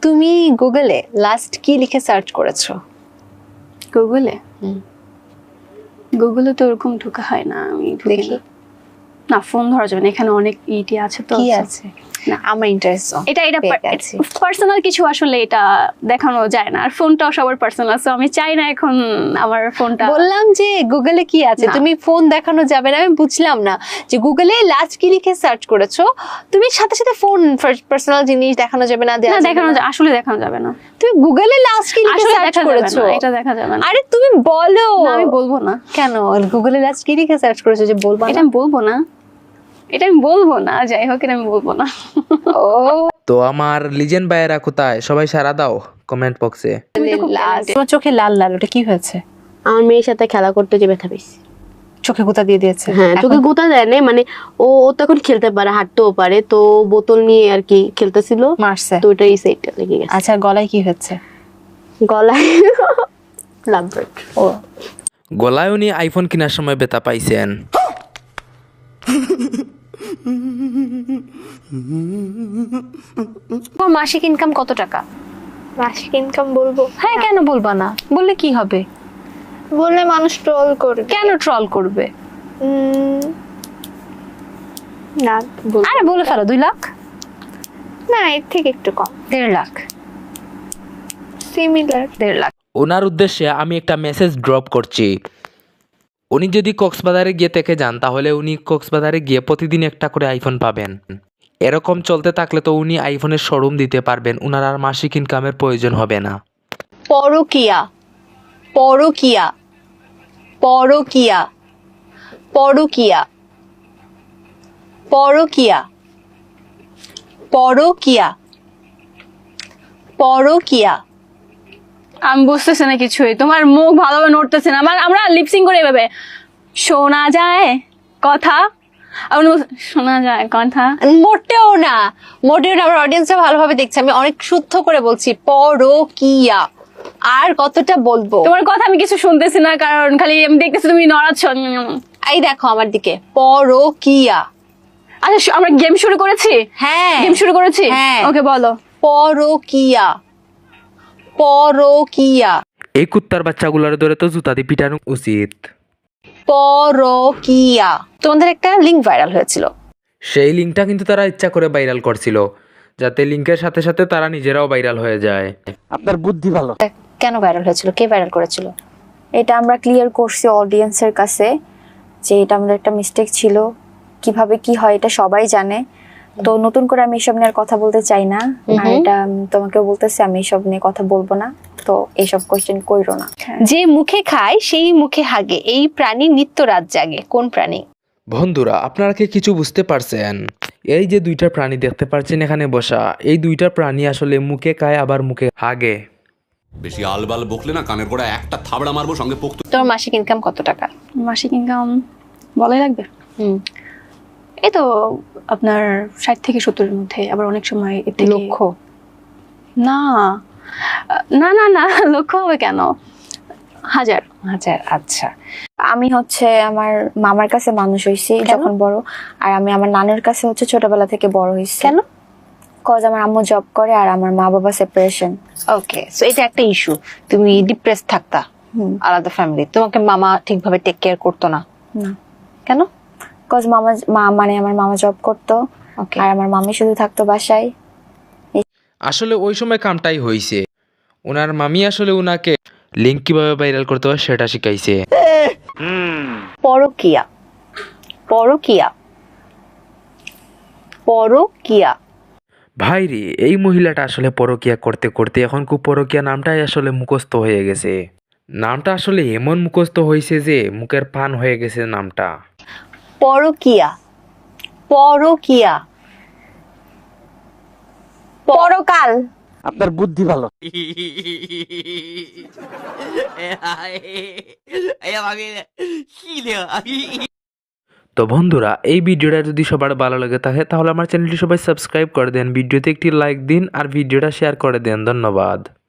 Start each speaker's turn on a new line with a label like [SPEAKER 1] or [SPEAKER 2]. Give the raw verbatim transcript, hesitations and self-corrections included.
[SPEAKER 1] তুমি গুগলে লাস্ট কি লিখে সার্চ করেছো?
[SPEAKER 2] গুগলে গুগলে তো ওরকম ঢোকা হয় না, আমি
[SPEAKER 1] দেখি
[SPEAKER 2] না, ফোন ধরা যাবে না, এখানে অনেক ইটি আছে তো।
[SPEAKER 1] কি আছে? না আমার ইন্টারেস্ট
[SPEAKER 2] এটা এটা পার্সোনাল কিছু, আসলে এটা দেখানো যায় না, আর ফোনটাও সবার পার্সোনাল, সো আমি চাই না এখন আমার ফোনটা।
[SPEAKER 1] বললাম যে গুগলে কি আছে, তুমি ফোন দেখানো যাবে না, আমি বুঝলাম না যে গুগলে লাস্ট কি লিখে সার্চ করেছো, তুমি সাথে সাথে ফোন পার্সোনাল জিনিস দেখানো যাবে না?
[SPEAKER 2] না দেখানো যায়, আসলে দেখানো যাবে না।
[SPEAKER 1] তুমি গুগলে লাস্ট কি লিখে সার্চ করেছো?
[SPEAKER 2] এটা দেখা যাবে না।
[SPEAKER 1] আরে তুমি বলো।
[SPEAKER 2] না আমি বলবো না।
[SPEAKER 1] কেন? গুগলে লাস্ট কি লিখে সার্চ করেছো যে বলবো না?
[SPEAKER 2] এটা আমি বলবো না, এটা আমি বলবো না, যাই হোক এটা আমি বলবো না।
[SPEAKER 1] ও
[SPEAKER 3] তো আমার লিজেন্ড ভাইয়েরা কোথায়, সবাই সারা দাও কমেন্ট বক্সে।
[SPEAKER 1] তোমার চোখে লাল লাল, ওটা কি হয়েছে?
[SPEAKER 4] আমার মেয়ের সাথে খেলা করতে যে ব্যথা পেয়েছি।
[SPEAKER 1] চোখে গোতা দিয়ে দিয়েছে?
[SPEAKER 4] হ্যাঁ, চোখে গোতা দেয় না, মানে ও ও তো এখন খেলতে পারে, হাঁটতেও পারে, তো বোতল নিয়ে আর কি খেলতেছিল,
[SPEAKER 1] মারছে,
[SPEAKER 4] তো ওটা এই সাইডটা লেগে গেছে।
[SPEAKER 1] আচ্ছা গলায় কি হচ্ছে?
[SPEAKER 4] গলায় লাভবার্ড।
[SPEAKER 1] ও
[SPEAKER 3] গলায় উনি আইফোন কেনার সময় ব্যথা পাইছেন।
[SPEAKER 1] তোমার মাসিক ইনকাম কত টাকা?
[SPEAKER 5] মাসিক ইনকাম বলবো?
[SPEAKER 1] হ্যাঁ কেন বলবা না? বললে কি হবে?
[SPEAKER 5] বললে মানুষ ট্রল করবে।
[SPEAKER 1] কেন ট্রল করবে?
[SPEAKER 5] উম, না বলবো
[SPEAKER 1] আরে বলে ফেলো, দুই লাখ?
[SPEAKER 5] না, এর থেকে একটু কম,
[SPEAKER 1] দেড় লাখ?
[SPEAKER 5] সিমিলার।
[SPEAKER 1] দেড় লাখ।
[SPEAKER 3] ওনার উদ্দেশ্যে আমি একটা মেসেজ ড্রপ করছি। উনি যদি কক্সবাজারে গিয়ে থেকে যান, তাহলে উনি কক্সবাজারে গিয়ে প্রতিদিন একটা করে আইফোন পাবেন। এরকম চলতে থাকলে তো উনি আইফোনের শোরুম দিতে পারবেন, উনার আর মাসিক ইনকামের প্রয়োজন হবে না।
[SPEAKER 1] পরকিয়া, পরকিয়া, পরকিয়া, পরকিয়া, পরকিয়া, পরকিয়া, পরকিয়া।
[SPEAKER 2] আমি বুঝতেছি না কিছুই, তোমার মুখ ভালোভাবে নড়তেছে না। আমার আমরা লিপসিং করে এভাবে শোনা যায় কথা, আমি বলছি, শোনা যায় কথা।
[SPEAKER 1] মোটেও না, মোটেও না, আমার অডিয়েন্সরা ভালোভাবে দেখছে, আমি অনেক শুদ্ধ করে বলছি পরকিয়া। আর কতটা বলবো?
[SPEAKER 2] তোমার কথা আমি কিছু শুনতেছি না, কারণ খালি আমি দেখতেছি তুমি নড়াচ্ছ।
[SPEAKER 1] এই দেখো আমার দিকে, পরকিয়া।
[SPEAKER 2] আচ্ছা আমরা গেম শুরু করেছি?
[SPEAKER 1] হ্যাঁ
[SPEAKER 2] গেম শুরু করেছি।
[SPEAKER 1] হ্যাঁ
[SPEAKER 2] ওকে বলো।
[SPEAKER 1] পরকিয়া, পরকিয়া,
[SPEAKER 3] এই কুত্তার বাচ্চাগুলোর ধরে তো জুতা দিয়ে পিটানো উচিত।
[SPEAKER 1] পরকিয়া। তোমাদের একটা লিঙ্ক ভাইরাল হয়েছিল,
[SPEAKER 3] সেই লিঙ্কটা কিন্তু তারা ইচ্ছা করে ভাইরাল করছিল, যাতে লিঙ্কের সাথে সাথে তারা নিজেরাও ভাইরাল হয়ে যায়।
[SPEAKER 6] আপনার বুদ্ধি ভালো।
[SPEAKER 1] কেন ভাইরাল হয়েছিল? কে ভাইরাল করেছিল?
[SPEAKER 5] এটা আমরা ক্লিয়ার করছি অডিয়েন্সের কাছে যে এটা আমাদের একটা মিস্টেক ছিল, কিভাবে কি হয় এটা সবাই জানে, তো নতুন করে আমি এসব নিয়ে আর কথা বলতে চাই না। আর এটা তোমাকে বলতেছি, আমি এসব নিয়ে কথা বলবো না, তো এইসব কোশ্চেন কইরো না।
[SPEAKER 1] যে মুখে খায় সেই মুখে হাগে, এই প্রাণী নিত্য রাত জাগে। কোন প্রাণী?
[SPEAKER 3] বন্ধুরা আপনারা কি কিছু বুঝতে পারছেন? এই যে দুইটা প্রাণী দেখতে পাচ্ছেন এখানে বসা, এই দুইটা প্রাণী আসলে মুখে খায় আবার মুখে হাগে।
[SPEAKER 7] বেশি আলবাল বকলে না কানের গোড়া একটা থাবড়া মারবো, সঙ্গে পোক্ত।
[SPEAKER 1] তোমার মাসিক ইনকাম কত টাকা?
[SPEAKER 2] মাসিক ইনকাম বলাই লাগবে?
[SPEAKER 1] হুম,
[SPEAKER 2] এই তো আপনার ষাট থেকে সত্তরের মধ্যে, আবার অনেক সময় এর থেকে-
[SPEAKER 1] লক্ষ?
[SPEAKER 2] না না না না, লক্ষ হবে কেন, হাজার।
[SPEAKER 1] হাজার। আচ্ছা,
[SPEAKER 5] আমি হচ্ছে আমার মামার কাছে মানুষ হয়েছি
[SPEAKER 1] কেন?
[SPEAKER 5] যখন বড়, আর আমি আমার নানুর কাছে হচ্ছে ছোটবেলা থেকে বড় হয়েছি।
[SPEAKER 1] কেন?
[SPEAKER 5] কজ আমার আম্মু জব করে আর আমার মা বাবা সেপারেশন।
[SPEAKER 1] ওকে, সো এটা একটা ইস্যু। তুমি ডিপ্রেস থাকতা আলাদা ফ্যামিলি, তোমাকে মামা ঠিকভাবে টেক কেয়ার করতো না?
[SPEAKER 5] না,
[SPEAKER 1] কেন?
[SPEAKER 5] কজ মামা মা মানে আমার মামা জব করতো,
[SPEAKER 1] ওকে,
[SPEAKER 5] আর আমার মামি শুধু থাকতো বাসায়।
[SPEAKER 3] আসলে ওই সময় কামটাই হয়েছে, ওনার মামি আসলে উনাকে লিঙ্ক কিভাবে ভাইরাল করতে হয় সেটা শিখাইছে।
[SPEAKER 1] পরকিয়া, পরকিয়া, পরকিয়া।
[SPEAKER 3] ভাই রে, এই মহিলাটা আসলে পরকিয়া করতে করতে এখন খুব পরকিয়া নামটাই আসলে মুখস্থ হয়ে গেছে। নামটা আসলে এমন মুখস্থ হয়েছে যে মুখের পান হয়ে গেছে নামটা।
[SPEAKER 1] পরকিয়া, পরকিয়া, পরকাল।
[SPEAKER 6] আপনার বুদ্ধি ভালো।
[SPEAKER 3] তো বন্ধুরা এই ভিডিওটা যদি সবার ভালো লাগে থাকে তাহলে আমার চ্যানেলটি সবাই সাবস্ক্রাইব করে দেন, ভিডিওতে একটি লাইক দিন আর ভিডিওটা শেয়ার করে দেন। ধন্যবাদ।